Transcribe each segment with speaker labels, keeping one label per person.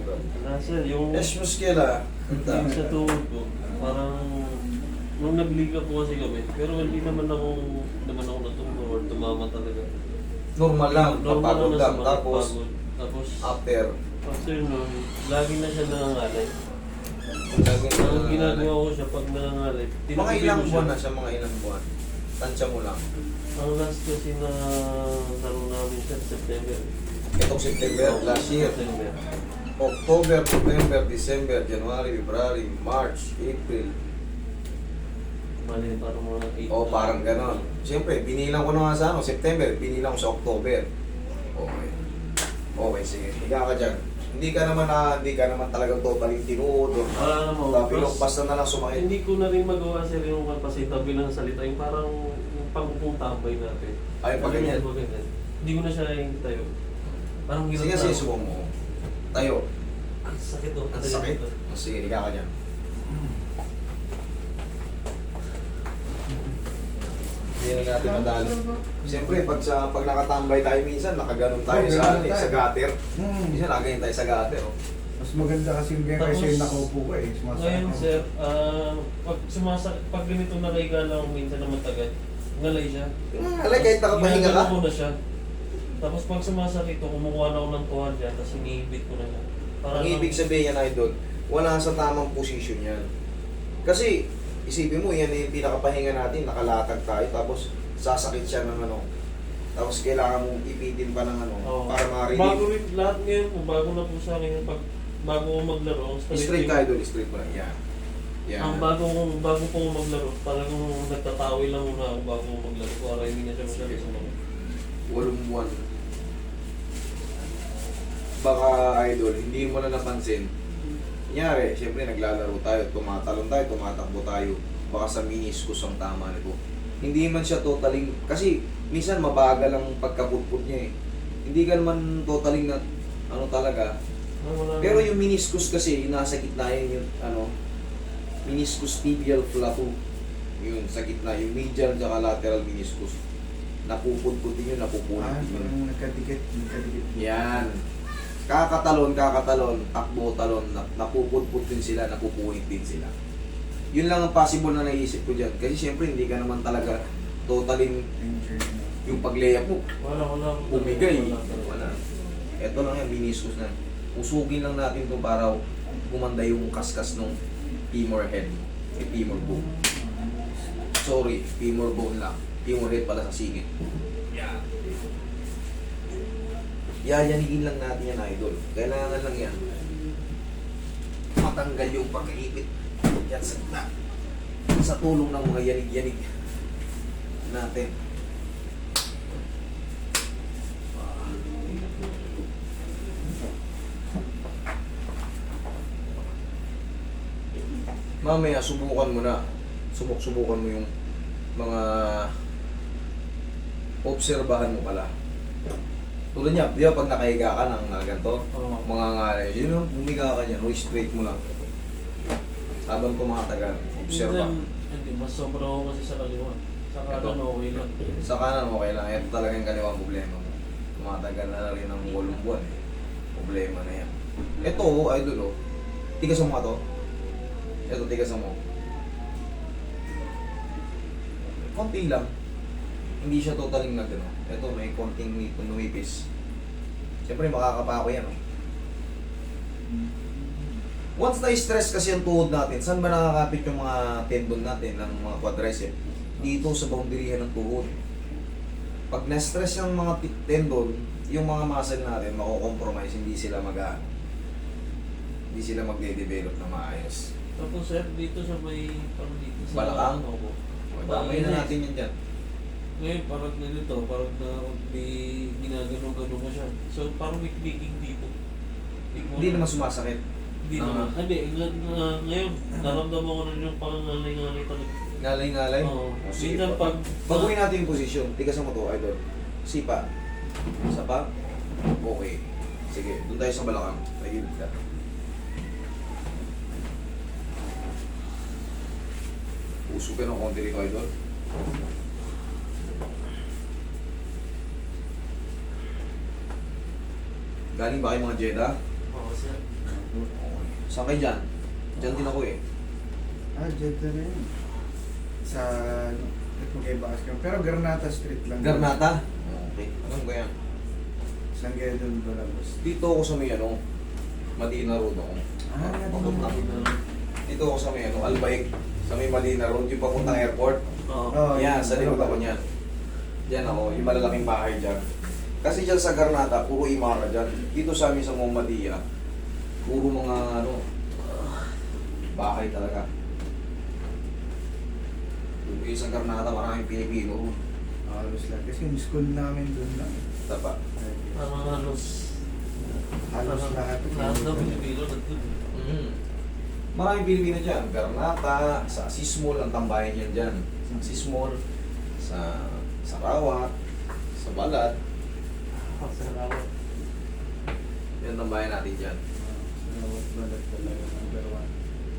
Speaker 1: idol?
Speaker 2: Nasa yung
Speaker 1: Esh muskela.
Speaker 2: yung sa tuhod ko, parang nung nagliga po kasi kami, pero hindi naman ako natumbo or tumama talaga.
Speaker 1: Normal lang,
Speaker 2: Normal
Speaker 1: papagod
Speaker 2: na
Speaker 1: lang.
Speaker 2: sa
Speaker 1: Tapos,
Speaker 2: pagod. Tapos,
Speaker 1: after
Speaker 2: nun, lagi na siya nangangalay.
Speaker 1: lagi
Speaker 2: Ang ginagawa ko siya pag nangangalay,
Speaker 1: mga
Speaker 2: tinutupin
Speaker 1: ilang
Speaker 2: ko siya.
Speaker 1: buwan na siya, mga ilang buwan. Tansya mo lang.
Speaker 2: Ang last kasi na laro namin siya, September.
Speaker 1: Itong September, last year.
Speaker 2: September.
Speaker 1: October, November, December, January, February, March, April.
Speaker 2: Mali, parang mga 8.
Speaker 1: O parang ganon. Siyempre, binilang ko na nga sa September, binilang ko sa October. Okay. Okay, sige. Higa ka dyan. Hindi ka naman talagang totally tinuod.
Speaker 2: Wala naman.
Speaker 1: Tapos, basta na lang sumakit.
Speaker 2: Hindi ko na rin magawa sa rin yung kapasita bilang salita. Yung parang yung pangupong tambay natin.
Speaker 1: Ay, pag ganyan.
Speaker 2: Hindi ko na siya yung tayo. Parang
Speaker 1: Sige, sige, subukan mo. Tayo.
Speaker 2: Ang sakit oh.
Speaker 1: Ang sakit. Sige, higa ka dyan. Hindi na natin madali. Siyempre, pag nakatambay tayo minsan, nakaganon tayo sa gutter. Minsan nakaganyan tayo sa gutter. Oh.
Speaker 3: Mas maganda kasi yung ganyan kasi yung nakaupo ko eh.
Speaker 2: Ngayon sir, pag ganito nakahiga lang ako minsan na matagal, ngalay siya.
Speaker 1: Alay, kahit nakapahinga ka.
Speaker 2: Ginagano ko na siya. Tapos pag sumasakit ko, kumukuha na ako ng tuwalya, tapos iniibit ko na siya.
Speaker 1: Ang ibig sabihin yan, idol, wala sa tamang posisyon yan. Kasi, isipin mo, yan yung pinakapahinga natin, nakalatag tayo, tapos sasakit siya ng ano. Tapos kailangan mong ipitin pa ng ano, para ma-relieve.
Speaker 2: Bago rin, lahat ngayon po, bago na po sa akin, bago ko maglaro,
Speaker 1: Straight ka, idol, straight mo lang. Yan. Yan.
Speaker 2: Ang bago po ko maglaro, talagang nagtatawi lang muna ako bago ko maglaro, para hindi na siya masyado sa mga.
Speaker 1: 8 buwan. Baka, idol, hindi mo na napansin. Kunyari, siyempre naglalaro tayo, tumatalon tayo, tumatakbo tayo. Baka sa meniscus ang tama nito. Hindi man siya totaling, kasi minsan mabagal ang pagkaputput niya eh. Hindi ka naman totaling na, ano talaga. Pero yung meniscus kasi, yung nasa gitna yun, yung meniscus tibial plateau. Yung sa gitna, yung medial at lateral meniscus. Napuputputin yun, napupunit yun.
Speaker 3: Nagkadikit.
Speaker 1: Yan. Kakatalon, takbo, talon, napuputput din sila, napupunit din sila. Yun lang ang possible na naisip ko dyan. Kasi siyempre hindi ka naman talaga totaling yung pag-layup mo.
Speaker 2: Wala.
Speaker 1: Bumigay. Wala. Ito lang yan, meniscus na. Usugin lang natin ito para gumanda yung kaskas ng femur head. Femur bone. Sorry, femur bone lang. Femur head pala sa singit. Yan. Yayanigin lang natin yan, idol. Kailangan lang yan. Matanggal yung pagkaipit. Yan sa gitna. Sa tulong ng mga yanig-yanig natin. Mamaya, subukan mo na. Subukan mo yung mga obserbahan mo pala. Tulad niya, di ba pag nakahiga ka ng ganito, mga ngalay, yun yung bumiga ka niya, straight mo lang. Habang tumatagal, obserba.
Speaker 2: Hindi, mas sobra ako kasi sa kaliwa. Sa kanan okay lang.
Speaker 1: Sa kanan, okay lang. Ito talaga yung kaliwang problema mo. Tumatagal na rin ng 8 buwan eh. Problema na yan. Ito, idol, tigas mo nga to. Ito, tigas mo. Konti lang. Hindi siya totaling nagano. Ito, may konting nuipis. Siyempre, makakapako yan. Once na-stress kasi ang tuhod natin, saan ba nakakapit yung mga tendon natin ng mga quadricep? Dito sa boundaryhan ng tuhod. Pag na-stress yung mga tendon, yung mga muscle natin, mako-compromise, hindi sila hindi sila magde-develop na maayos.
Speaker 2: Tapos sir, dito sa may, parang dito sa
Speaker 1: Balakang?
Speaker 2: Opo.
Speaker 1: Damay na natin yan dyan.
Speaker 2: Ngayon, parang ganito, parang na may ginagano-gano ko siya. So, parang may clicking dito.
Speaker 1: Hindi naman sumasakit.
Speaker 2: Hindi naman. Hindi, ngayon, naramdaman ko rin yung pangangalay-ngalay talaga.
Speaker 1: Ngalay-ngalay?
Speaker 2: Oo.
Speaker 1: Sige.
Speaker 2: Minsan pag...
Speaker 1: Baguhin natin yung posisyon. Tigasan mo to, idol. Sipa. Isa pa. Okay. Sige, doon tayo sa balakang. Nagilid ka. Usog ka ng konti rito, idol. Galing ba kayo mga Jeddah?
Speaker 2: Oo, sir.
Speaker 1: Okay. Saan kayo dyan? Dyan din ako eh.
Speaker 3: Dyan na rin. Sa, ano, Magkaibakas ka. Pero Granata Street lang.
Speaker 1: Garnata? Okay. Anong ba yan?
Speaker 3: San Gedon Balagos.
Speaker 1: Dito ako sa may ano, Madina Road ako. Papunta. Dito ako sa may ano, Albaik. Sa may Madina Road, yung papuntang airport.
Speaker 2: Oo.
Speaker 1: Yan, sa likod ako niyan. Diyan ako, yung malalaking bahay dyan. Kasi dyan sa Garnata, puro Imara dyan. Dito sa amin sa Momadia, puro mga ano, bahay talaga. Yung sa Garnata, maraming Pilipino.
Speaker 3: Halos lang. Kasi yung school namin doon lang.
Speaker 1: Tapa.
Speaker 2: Parang halos
Speaker 3: Lahat.
Speaker 2: Lahat daw Pilipino nandun.
Speaker 1: Maraming Pilipino dyan. Garnata, sa Sismol, ang tambayan yan dyan. Sa Sismol, sa Sarawak, sa Balat.
Speaker 2: Salamat.
Speaker 1: Yan ang tambayan natin dyan.
Speaker 3: Balat talaga number 1.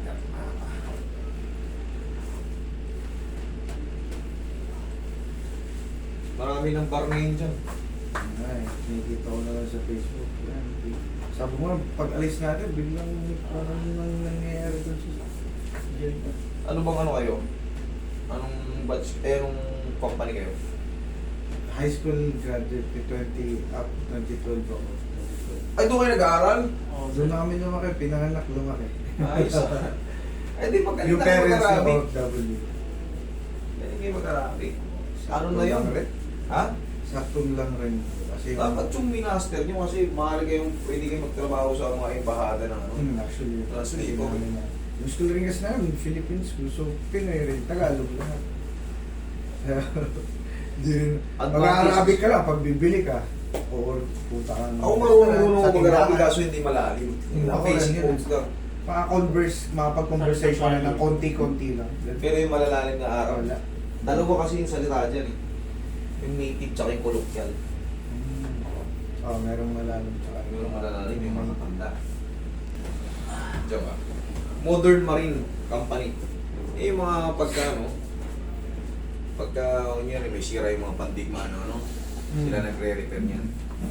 Speaker 1: Marami ng bar ngayon dyan.
Speaker 3: Ay, nakikita ko na lang sa Facebook. Yan. Sabi mo, pag alis natin, biglang parang nangyayari doon sa dyan.
Speaker 1: Ano bang ano kayo? Anong batch, anong company kayo?
Speaker 3: High school graduate, 20 up, 2012 ako. 2012.
Speaker 1: Ay, doon kayo nag-aaral?
Speaker 3: Doon na kami lumaki, pinanganak lumaki.
Speaker 1: Ayos. Ay, di pagkalita
Speaker 3: Yung
Speaker 1: kayo
Speaker 3: parents na
Speaker 1: mag-arabi.
Speaker 3: OFW.
Speaker 1: Hindi kayo mag-arabi. Ano na yun? Ha?
Speaker 3: Saktong lang rin. Kasi
Speaker 1: Dapat yung minaster nyo kasi mahal kayong pwede kayo magtrabaho sa mga embahada ng ano.
Speaker 3: Actually,
Speaker 1: Translate ko.
Speaker 3: yung school rin kasi namin, Philippine school, so Pinoy rin, Tagalog lahat. Di rin. Mag-Arabic ka lang, pag bibili ka, or puta ka
Speaker 1: Ako marunong
Speaker 3: sa
Speaker 1: mag-arabi
Speaker 3: tindahan.
Speaker 1: kaso hindi malalim.
Speaker 3: Ako
Speaker 1: Basic
Speaker 3: rin yun.
Speaker 1: codes lang.
Speaker 3: Makapag-conversation na ng konti-konti lang.
Speaker 1: Pero yung malalalim na araw.
Speaker 3: Wala.
Speaker 1: Dalawa kasi yung salita dyan eh. Yung native tsaka yung colloquial.
Speaker 3: Merong malalim tsaka.
Speaker 1: Yung malalalim yung mga tanda. Diyan ba? Modern Marine Company. Eh yung mga pagka kunyari may sira yung mga pandigma ano, sila nagre-repair niyan.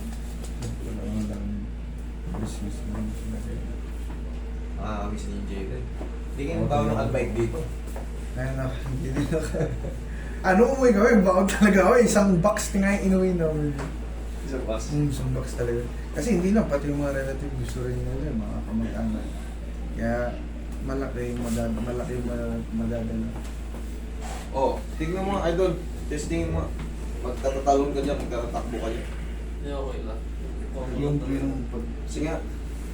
Speaker 1: Kami si Ninja din. Hindi kayo tao ng albike dito.
Speaker 3: Hindi din ako. Ano umuwi kami? Bakit talaga ako? Isang box nga yung inuwi namin.
Speaker 1: Isang bus.
Speaker 3: Isang box talaga. Kasi hindi lang, pati yung mga relative gusto rin nila, mga kamag-anak. Kaya malaki yung madadala.
Speaker 1: Oh, tignan mo mga idol. Testing mo. Magtatatalon ka dyan, magtatatakbo ka dyan.
Speaker 2: Hindi okay lang.
Speaker 3: Yung pag...
Speaker 1: Sige nga.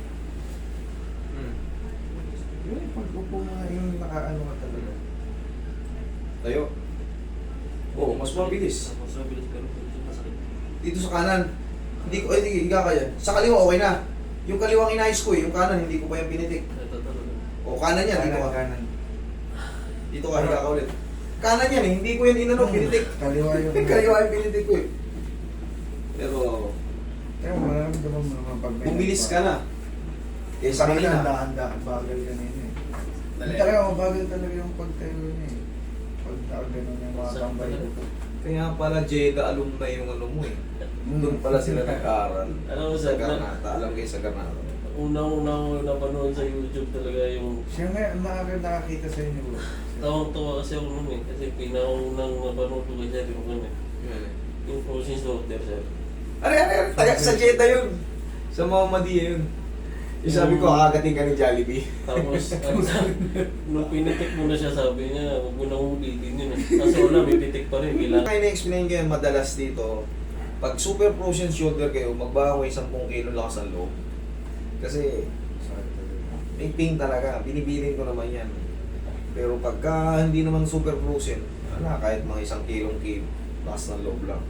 Speaker 3: Yung pag-upo mga yung nakaano ka talaga.
Speaker 1: Tayo. Oh, mas mabilis.
Speaker 2: Mas mabilis pero masakit.
Speaker 1: Dito sa kanan. Hindi ka kaya. Sa kaliwa okay na. Yung kaliwang inayos ko eh, yung kanan hindi ko pa yung pinitik.
Speaker 2: Ito talaga.
Speaker 1: O kanan yan, dito ka.
Speaker 3: Kanan.
Speaker 1: Dito ka, higa ka ulit. Kanan yan eh, hindi ko yan inano, pinitik.
Speaker 3: Kaliwa yung...
Speaker 1: Kaliwa yung pinitik ko eh. Pero,
Speaker 3: Kaya mararamdaman mo naman pag may...
Speaker 1: bumilis ka na. Eh sa kanina.
Speaker 3: Handa, bagal kanina eh.
Speaker 1: Dali.
Speaker 3: Talaga, mabagal talaga yung pagtayo niya eh. Pagtayo ganun yung mga tambay ko.
Speaker 1: Kaya pala Jeddah alumni yung ano mo eh. Doon pala sila nag-aaral.
Speaker 2: Alam mo,
Speaker 1: Sa
Speaker 2: sir,
Speaker 1: Garnata. Alam kayo sa Garnata.
Speaker 2: Unang-una ko napanood sa YouTube talaga yung
Speaker 3: Siya nga, nakakita sa inyo bro.
Speaker 2: tawang-tawa kasi ako nun eh. Kasi pinaunang napanood ko kay sir yung ano eh.
Speaker 1: Yan eh.
Speaker 2: Yung Frozen Slaughter sir.
Speaker 1: Ano, taga sa Jeddah yun. Sa Mohammedia yun. Yung sabi ko, kakagating ka ni Jollibee.
Speaker 2: Tapos, nung pinitik mo na siya, sabi niya, huwag mo nang ulitin yun eh. Kasi wala, may pitik pa rin. Kailangan.
Speaker 1: Kaya na-explain ko yan madalas dito, pag super frozen shoulder kayo, magbawa 10 kilo lakas ang loob. Kasi, may pain talaga. Binibilin ko naman yan. Pero pagka hindi naman super frozen, wala, kahit mga 1 kilong lakas ng loob lang.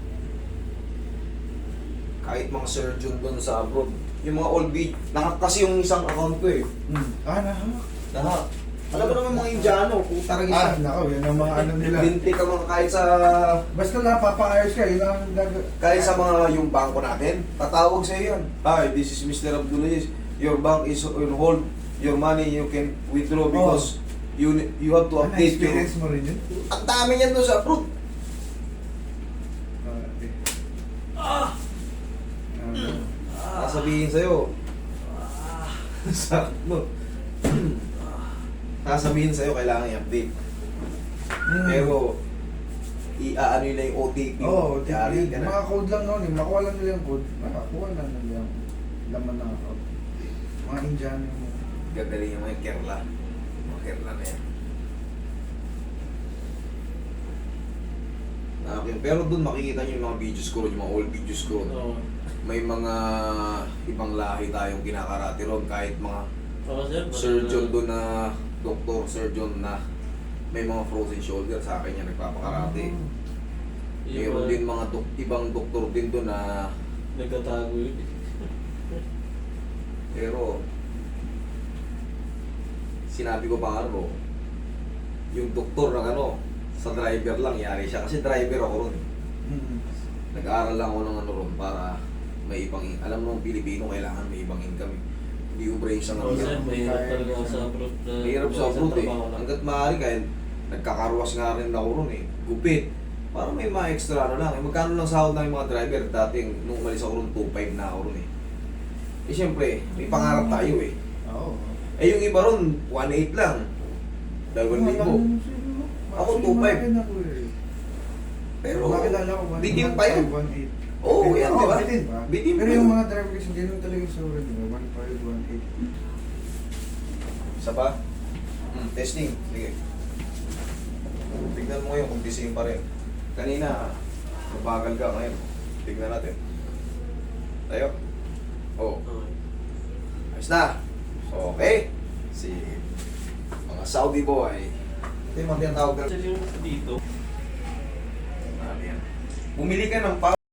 Speaker 1: Kahit mga surgeon doon sa abroad, yung mga old beat, kasi yung isang account ko eh.
Speaker 3: Nahamak.
Speaker 1: Lahat. Alam mo naman mga Indiano, puta rin
Speaker 3: Nako, yan ang mga ano nila.
Speaker 1: Binti ka mga kahit sa
Speaker 3: Basta napapa-ayos ka, yun ang
Speaker 1: kahit sa mga yung bangko natin, tatawag sa iyo yan. Hi, this is Mr. Abdulaziz. Your bank is on hold. Your money you can withdraw because you have to update your...
Speaker 3: experience mo rin yun?
Speaker 1: Ang dami niyan doon sa abroad. Sasabihin sa'yo, Sakit mo. Sasabihin sa'yo, kailangan i-update. Pero, i-ano yun na yung OTP.
Speaker 3: Oo,
Speaker 1: Yari ka na.
Speaker 3: mga code lang noon eh. Makuha lang nila yung code. Makakuha lang nila yung laman ng account. Mga Indiano mo.
Speaker 1: Gagaling yung mga kerla. Mga kerla na yan. Okay. Pero dun makikita nyo yung mga videos ko, yung mga old videos ko.
Speaker 2: Oo.
Speaker 1: May mga ibang lahi tayong kinakarate ron. Kahit mga
Speaker 2: Ako sir,
Speaker 1: surgeon doon na, doktor, surgeon na may mga frozen shoulder sa akin yan nagpapakarate. Mayroon din mga ibang doktor din doon na
Speaker 2: nagtatago yun.
Speaker 1: pero sinabi ko pa ano, yung doktor ng ano, sa driver lang yari siya kasi driver ako ron. Nag-aaral lang ako ng ano ron para may ibang, alam mo ng Pilipino kailangan may ibang income. Hindi ubra yung isang
Speaker 2: Oo sir,
Speaker 1: ano.
Speaker 2: mahirap talaga ako sa abroad na
Speaker 1: Mahirap sa
Speaker 2: isang
Speaker 1: abroad eh.
Speaker 2: trabaho lang.
Speaker 1: Hanggat maaari kahit nagkakarwas nga rin ako ron eh. Gupit. Para may mga extra ano lang. Eh, magkano lang sahod ng mga driver? Dating nung umalis ako ron, 2.5 na ako ron eh. Eh syempre, may pangarap tayo eh.
Speaker 3: Oo.
Speaker 1: Eh yung iba ron, 1.8 lang. 2,000. Ako, 2.5. Pero,
Speaker 3: makilala ko,
Speaker 1: bitin pa yun.
Speaker 3: 1.8.
Speaker 1: Oo, yan, di ba?
Speaker 3: Bitin pa.
Speaker 1: Bitin
Speaker 3: Pero
Speaker 1: pa
Speaker 3: yung
Speaker 1: yun.
Speaker 3: mga driver kasi ganun talaga yung sahod nila. 1.5, 1.8.
Speaker 1: Isa pa? Testing. Sige. Tignan mo ngayon kung same pa rin. Kanina, mabagal ka ngayon. Tignan natin. Tayo. Oh,
Speaker 2: Okay.
Speaker 1: ayos na. Okay. Si mga Saudi boy. Ito yung mga tinatawag na.
Speaker 2: Actually yung dito,
Speaker 1: Ano yan? Bumili ka ng